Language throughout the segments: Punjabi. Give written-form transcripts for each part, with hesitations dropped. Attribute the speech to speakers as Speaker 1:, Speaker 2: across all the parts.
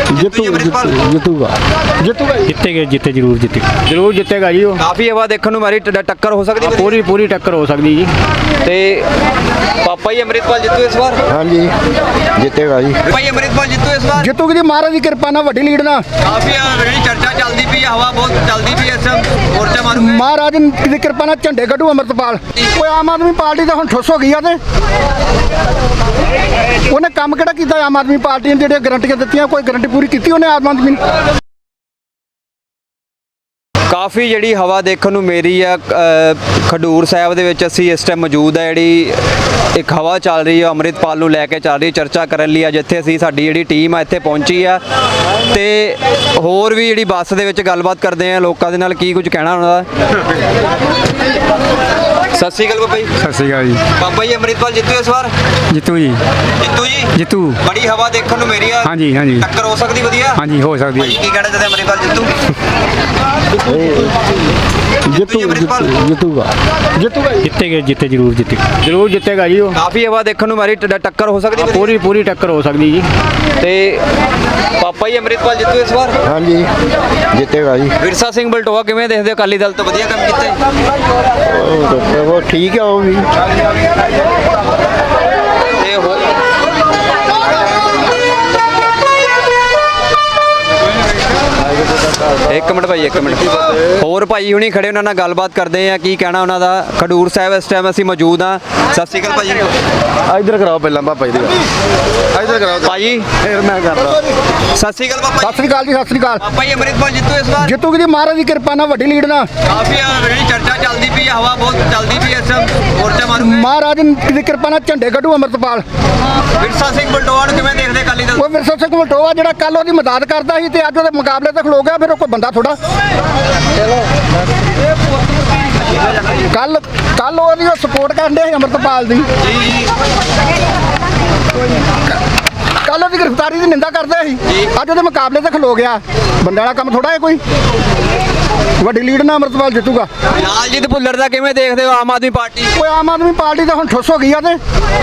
Speaker 1: ਜਿੱਤੇ ਜ਼ਰੂਰ ਜਿੱਤੇਗਾ ਜੀ। ਉਹ
Speaker 2: ਕਾਫੀ ਹਵਾ ਦੇਖਣ ਨੂੰ ਮਾਰੀ, ਟੱਕਰ ਹੋ ਸਕਦੀ
Speaker 1: ਪੂਰੀ ਟੱਕਰ ਹੋ ਸਕਦੀ ਜੀ।
Speaker 2: ਤੇ ਪਾਪਾ ਜੀ ਅੰਮ੍ਰਿਤਪਾਲ ਜਿੱਤੂ ਇਸ ਵਾਰ?
Speaker 3: ਹਾਂਜੀ ਜਿੱਤੇਗਾ ਜੀ।
Speaker 2: ਭਾਈ ਅੰਮ੍ਰਿਤਪਾਲ ਜਿੱਤੂ ਇਸ ਵਾਰ?
Speaker 3: ਜਿੱਤੂਗੀ ਜੀ, ਮਹਾਰਾਜ ਦੀ ਕਿਰਪਾ ਨਾਲ ਵੱਡੀ ਲੀਡ ਨਾਲ।
Speaker 2: ਕਾਫੀ ਜਿਹੜੀ ਚਰਚਾ ਚੱਲਦੀ ਪਈ, ਹਵਾ ਬਹੁਤ ਚੱਲਦੀ ਪਈ, ਇਸ ਟਾਈਮ ਮੋਰਚਾ ਮਾਰੂਗੇ।
Speaker 3: ਮਹਾਰਾਜ ਦੀ ਕਿਰਪਾ ਨਾਲ ਝੰਡੇ ਕੱਢੂ ਅੰਮ੍ਰਿਤਪਾਲ। ਕੋਈ ਆਮ ਆਦਮੀ ਪਾਰਟੀ ਤਾਂ ਹੁਣ ਠੁੱਸ ਹੋ ਗਈ ਆ, ਤੇ ਉਹਨੇ ਕੰਮ ਕਿਹੜਾ ਕੀਤਾ ਆਮ ਆਦਮੀ ਪਾਰਟੀ ਨੇ? ਜਿਹੜੀਆਂ ਗਰੰਟੀਆਂ ਦਿੱਤੀਆਂ, ਕੋਈ ਗਰੰਟੀ ਪੂਰੀ ਕੀਤੀ ਉਹਨੇ ਆਮ ਆਦਮੀ ਨੇ?
Speaker 2: ਕਾਫੀ ਜਿਹੜੀ ਹਵਾ ਦੇਖਣ ਨੂੰ ਮੇਰੀ ਆ ਖਡੂਰ ਸਾਹਿਬ ਦੇ ਵਿੱਚ ਅਸੀਂ ਇਸ ਟਾਈਮ ਮੌਜੂਦ ਆ। ਜਿਹੜੀ ਇੱਕ ਹਵਾ ਚੱਲ ਰਹੀ ਆ ਅੰਮ੍ਰਿਤਪਾਲ ਨੂੰ ਲੈ ਕੇ ਚੱਲ ਰਹੀ, ਚਰਚਾ ਕਰਨ ਲਈ ਆ, ਜਿੱਥੇ ਅਸੀਂ ਸਾਡੀ ਜਿਹੜੀ ਟੀਮ ਆ ਇੱਥੇ ਪਹੁੰਚੀ ਆ। ਤੇ ਹੋਰ ਵੀ ਜਿਹੜੀ ਬੱਸ ਦੇ ਵਿੱਚ ਗੱਲਬਾਤ ਕਰਦੇ ਆ ਲੋਕਾਂ ਦੇ ਨਾਲ, ਕੀ ਕੁਝ ਕਹਿਣਾ ਉਹਨਾਂ ਦਾ। ਸਤਿ ਸ਼੍ਰੀ ਅਕਾਲ ਬਾਬਾ ਜੀ।
Speaker 1: ਸਤਿ ਸ਼੍ਰੀ ਅਕਾਲ ਜੀ।
Speaker 2: ਬਾਬਾ ਜੀ ਅੰਮ੍ਰਿਤਪਾਲ ਜਿੱਤੂ ਇਸ ਵਾਰ?
Speaker 1: ਜਿੱਤੂ ਜੀ।
Speaker 2: ਜਿੱਤੂ ਬੜੀ ਹਵਾ ਦੇਖਣ ਨੂੰ ਮੇਰੀ ਆ।
Speaker 1: ਹਾਂਜੀ
Speaker 2: ਟੱਕਰ ਹੋ ਸਕਦੀ ਵਧੀਆ?
Speaker 1: ਹਾਂਜੀ ਹੋ ਸਕਦੀ ਹੈ।
Speaker 2: ਕੀ ਕਹਿਣਾ ਚਾਹਦੇ ਅੰਮ੍ਰਿਤਪਾਲ ਜਿੱਤੂ?
Speaker 1: ਜਿੱਤੇ ਜ਼ਰੂਰ ਜਿੱਤੇਗਾ ਜੀ। ਉਹ
Speaker 2: ਕਾਫੀ ਹਵਾ ਦੇਖਣ ਨੂੰ ਮਾਰੀ, ਟੱਕਰ ਹੋ ਸਕਦੀ
Speaker 1: ਪੂਰੀ ਟੱਕਰ ਹੋ ਸਕਦੀ ਜੀ।
Speaker 2: ਤੇ ਪਾਪਾ ਜੀ ਅੰਮ੍ਰਿਤਪਾਲ ਜਿੱਤੂ ਇਸ ਵਾਰ?
Speaker 3: ਹਾਂਜੀ ਜਿੱਤੇਗਾ ਜੀ।
Speaker 2: ਵਿਰਸਾ ਸਿੰਘ ਬਲਟੋਆ ਕਿਵੇਂ ਦੇਖਦੇ ਹੋ? ਅਕਾਲੀ ਦਲ ਤੋਂ ਵਧੀਆ ਕੰਮ ਕੀਤਾ ਹੈ?
Speaker 3: ਉਹ ਠੀਕ ਹੈ ਉਹ ਵੀ।
Speaker 2: ਤੇ ਇੱਕ ਮਿੰਟ ਭਾਈ, ਇੱਕ ਮਿੰਟ ਹੋਰ ਭਾਈ ਹੁਣੀ ਖੜੇ, ਉਹਨਾਂ ਨਾਲ ਗੱਲਬਾਤ ਕਰਦੇ ਆ, ਕੀ ਕਹਿਣਾ ਉਹਨਾਂ ਦਾ। ਖਡੂਰ ਸਾਹਿਬ ਇਸ ਟਾਈਮ ਅਸੀਂ ਮੌਜੂਦ ਆ। ਸਤਿ ਸ਼੍ਰੀ ਅਕਾਲ ਭਾਜੀ।
Speaker 3: ਇੱਧਰ ਕਰਾਓ ਪਹਿਲਾਂ ਪਾਪਾ ਜੀ ਦੀ ਗੱਲ। ਇੱਧਰ ਕਰਾਓ
Speaker 2: ਭਾਜੀ।
Speaker 3: ਫਿਰ ਮੈਂ ਕਰਦਾ।
Speaker 2: ਸਤਿ ਸ਼੍ਰੀ ਅਕਾਲ ਪਾਪਾ।
Speaker 3: ਸਤਿ ਸ੍ਰੀ ਅਕਾਲ ਜੀ। ਸਤਿ ਸ੍ਰੀ ਅਕਾਲ।
Speaker 2: ਪਾਪਾ ਜੀ ਅੰਮ੍ਰਿਤਪਾਲ ਜਿੱਤੂ ਇਸ ਵਾਰ?
Speaker 3: ਜਿੱਤੂਗੀ ਜੀ, ਮਹਾਰਾਜ ਦੀ ਕਿਰਪਾ ਨਾਲ ਵੱਡੀ ਲੀਡ ਨਾਲ।
Speaker 2: ਕਾਫੀ ਜਿਹੜੀ ਚਰਚਾ ਚੱਲਦੀ ਪਈ, ਹਵਾ ਬਹੁਤ ਚੱਲਦੀ ਪਈ, ਇਸ ਟਾਈਮ ਮੋਰਚਾ ਮਾਰੂਗੇ।
Speaker 3: ਮਹਾਰਾਜ ਦੀ ਕਿਰਪਾ ਨਾਲ ਝੰਡੇ ਕੱਢੂ ਅੰਮ੍ਰਿਤਪਾਲ।
Speaker 2: ਵਿਰਸਾ ਸਿੰਘ ਬਲਟੋਆ ਨੂੰ ਕਿਵੇਂ ਦੇਖਦੇ ਅਕਾਲੀ ਦਲ?
Speaker 3: ਉਹ ਵਿਰਸਾ ਸਿੰਘ ਬਲਟੋਆ ਜਿਹੜਾ ਕੱਲ ਉਹਦੀ ਮਦਦ ਕਰਦਾ ਸੀ ਤੇ ਅੱਜ ਉਹਦੇ ਮੁਕਾਬਲੇ ਤੇ ਖਲੋ ਗਿਆ, ਫਿਰ ਉਹ ਕੋਈ ਬੰਦਾ ਥੋੜਾ। ਕੱਲ ਉਹਦੀ ਸਪੋਰਟ ਕਰਦੇ ਸੀ ਅੰਮ੍ਰਿਤਪਾਲ ਦੀ। ਕੱਲ ਉਹਦੀ ਗ੍ਰਿਫਤਾਰੀ ਦੀ ਨਿੰਦਾ ਕਰਦੇ ਸੀ, ਅੱਜ ਉਹਦੇ ਮੁਕਾਬਲੇ ਤੇ ਖਲੋ ਗਿਆ। ਬੰਦੇ ਵਾਲਾ ਕੰਮ ਥੋੜਾ ਹੈ ਕੋਈ। ਵੱਡੀ ਲੀਡ ਨਾਲ ਅੰਮ੍ਰਿਤਪਾਲ ਜਿੱਤੂਗਾ।
Speaker 2: ਲਾਲਜੀਤ ਭੁੱਲਰ ਦਾ ਕਿਵੇਂ ਦੇਖਦੇ ਹੋ ਆਮ ਆਦਮੀ ਪਾਰਟੀ?
Speaker 3: ਕੋਈ ਆਮ ਆਦਮੀ ਪਾਰਟੀ ਤਾਂ ਹੁਣ ਠੁੱਸ ਹੋ ਗਈ ਆ, ਤੇ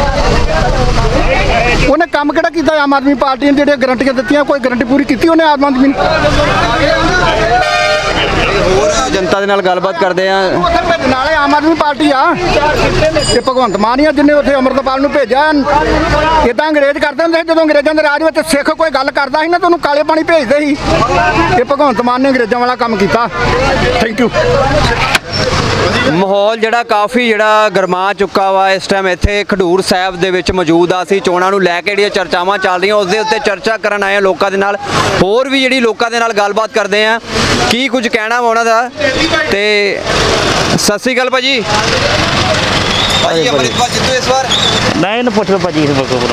Speaker 3: ਉਹਨੇ ਕੰਮ ਕਿਹੜਾ ਕੀਤਾ ਆਮ ਆਦਮੀ ਪਾਰਟੀ ਨੇ? ਜਿਹੜੀਆਂ ਗਰੰਟੀਆਂ ਦਿੱਤੀਆਂ, ਕੋਈ ਗਰੰਟੀ ਪੂਰੀ ਕੀਤੀ ਉਹਨੇ ਆਮ ਆਦਮੀ ਨੇ?
Speaker 2: ਹੋਰ ਜਨਤਾ ਦੇ ਨਾਲ ਗੱਲਬਾਤ ਕਰਦੇ ਆ।
Speaker 3: ਨਾਲੇ ਆਮ ਆਦਮੀ ਪਾਰਟੀ ਆ ਤੇ ਭਗਵੰਤ ਮਾਨ ਹੀ ਆ ਜਿਹਨੇ ਉੱਥੇ ਅੰਮ੍ਰਿਤਪਾਲ ਨੂੰ ਭੇਜਿਆ। ਇਦਾਂ ਅੰਗਰੇਜ਼ ਕਰਦੇ ਹੁੰਦੇ ਸੀ, ਜਦੋਂ ਅੰਗਰੇਜ਼ਾਂ ਦੇ ਰਾਜ ਵਿੱਚ ਸਿੱਖ ਕੋਈ ਗੱਲ ਕਰਦਾ ਸੀ ਨਾ, ਤਾਂ ਉਹਨੂੰ ਕਾਲੇ ਪਾਣੀ ਭੇਜਦੇ ਸੀ। ਇਹ ਭਗਵੰਤ ਮਾਨ ਨੇ ਅੰਗਰੇਜ਼ਾਂ ਵਾਲਾ ਕੰਮ ਕੀਤਾ। Thank you.
Speaker 2: ਮਾਹੌਲ ਜਿਹੜਾ ਕਾਫੀ ਗਰਮਾ ਚੁੱਕਾ ਵਾ ਇਸ ਟਾਈਮ ਇੱਥੇ ਖਡੂਰ ਸਾਹਿਬ ਦੇ ਵਿੱਚ ਮੌਜੂਦ ਆ। ਅਸੀਂ ਚੋਣਾਂ ਨੂੰ ਲੈ ਕੇ ਜਿਹੜੀਆਂ ਚਰਚਾਵਾਂ ਚੱਲ ਰਹੀਆਂ ਉਸ ਦੇ ਉੱਤੇ ਚਰਚਾ ਕਰਨ ਆਏ ਆ ਲੋਕਾਂ ਦੇ ਨਾਲ। ਹੋਰ ਵੀ ਜਿਹੜੀ ਲੋਕਾਂ ਦੇ ਨਾਲ ਗੱਲਬਾਤ ਕਰਦੇ ਆ, ਕੀ ਕੁਝ ਕਹਿਣਾ ਵਾ ਉਹਨਾਂ ਦਾ। ਤੇ ਸਤਿ ਸ਼੍ਰੀ ਅਕਾਲ ਭਾਜੀ। ਭਾਜੀ ਅੰਮ੍ਰਿਤਪਾਲ ਜਿੱਤੂ ਇਸ ਵਾਰ?
Speaker 1: ਨਹੀਂ ਇਹਨੂੰ ਪੁੱਛ ਲਓ ਭਾਜੀ।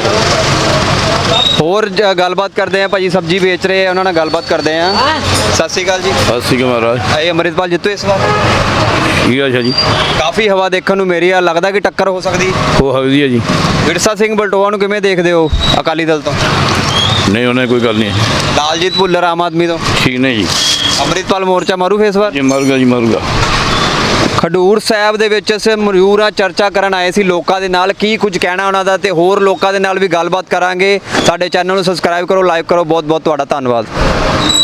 Speaker 2: ਹੋਰ ਗੱਲਬਾਤ ਕਰਦੇ ਆ, ਭਾਜੀ ਸਬਜ਼ੀ ਵੇਚ ਰਹੇ ਆ, ਉਹਨਾਂ ਨਾਲ ਗੱਲਬਾਤ ਕਰਦੇ ਆ। ਸਤਿ ਸ਼੍ਰੀ ਅਕਾਲ ਜੀ।
Speaker 4: ਸਤਿ ਸ਼੍ਰੀ ਅਕਾਲ ਮਹਾਰਾਜ।
Speaker 2: ਇਹ ਅੰਮ੍ਰਿਤਪਾਲ ਜਿੱਤੂ ਇਸ ਵਾਰ?
Speaker 4: ਕੀ ਹਾਲ ਜੀ?
Speaker 2: ਕਾਫੀ ਹਵਾ ਦੇਖਣ ਨੂੰ ਮੇਰੀ ਆ, ਲੱਗਦਾ ਕਿ ਟੱਕਰ ਹੋ ਸਕਦੀ?
Speaker 4: ਹੋ ਸਕਦੀ ਹੈ ਜੀ।
Speaker 2: ਵਿਰਸਾ ਸਿੰਘ ਬਲਟੋਆ ਨੂੰ ਕਿਵੇਂ ਦੇਖਦੇ ਹੋ ਅਕਾਲੀ ਦਲ ਤੋਂ?
Speaker 4: ਨਹੀਂ ਉਹਨੇ ਕੋਈ ਗੱਲ ਨਹੀਂ।
Speaker 2: ਲਾਲਜੀਤ ਭੁੱਲਰ ਆਮ ਆਦਮੀ ਤੋਂ?
Speaker 4: ਠੀਕ ਨਹੀਂ ਜੀ।
Speaker 2: ਅੰਮ੍ਰਿਤਪਾਲ ਮੋਰਚਾ ਮਾਰੂ ਫੇਸ ਵਾਰ?
Speaker 4: ਜੀ ਮਾਰੂਗਾ ਜੀ ਮਾਰੂਗਾ।
Speaker 2: ਖਡੂਰ ਸਾਹਿਬ ਦੇ ਵਿੱਚ ਅਸੀਂ ਮਰੂਰਾ ਚਰਚਾ ਕਰਨ ਆਏ ਸੀ ਲੋਕਾਂ ਦੇ ਨਾਲ, ਕੀ ਕੁਝ ਕਹਿਣਾ ਉਹਨਾਂ ਦਾ, ਤੇ ਹੋਰ ਲੋਕਾਂ ਦੇ ਨਾਲ ਵੀ ਗੱਲਬਾਤ ਕਰਾਂਗੇ। ਸਾਡੇ ਚੈਨਲ ਨੂੰ ਸਬਸਕ੍ਰਾਈਬ ਕਰੋ, ਲਾਈਕ ਕਰੋ। ਬਹੁਤ ਬਹੁਤ ਤੁਹਾਡਾ ਧੰਨਵਾਦ।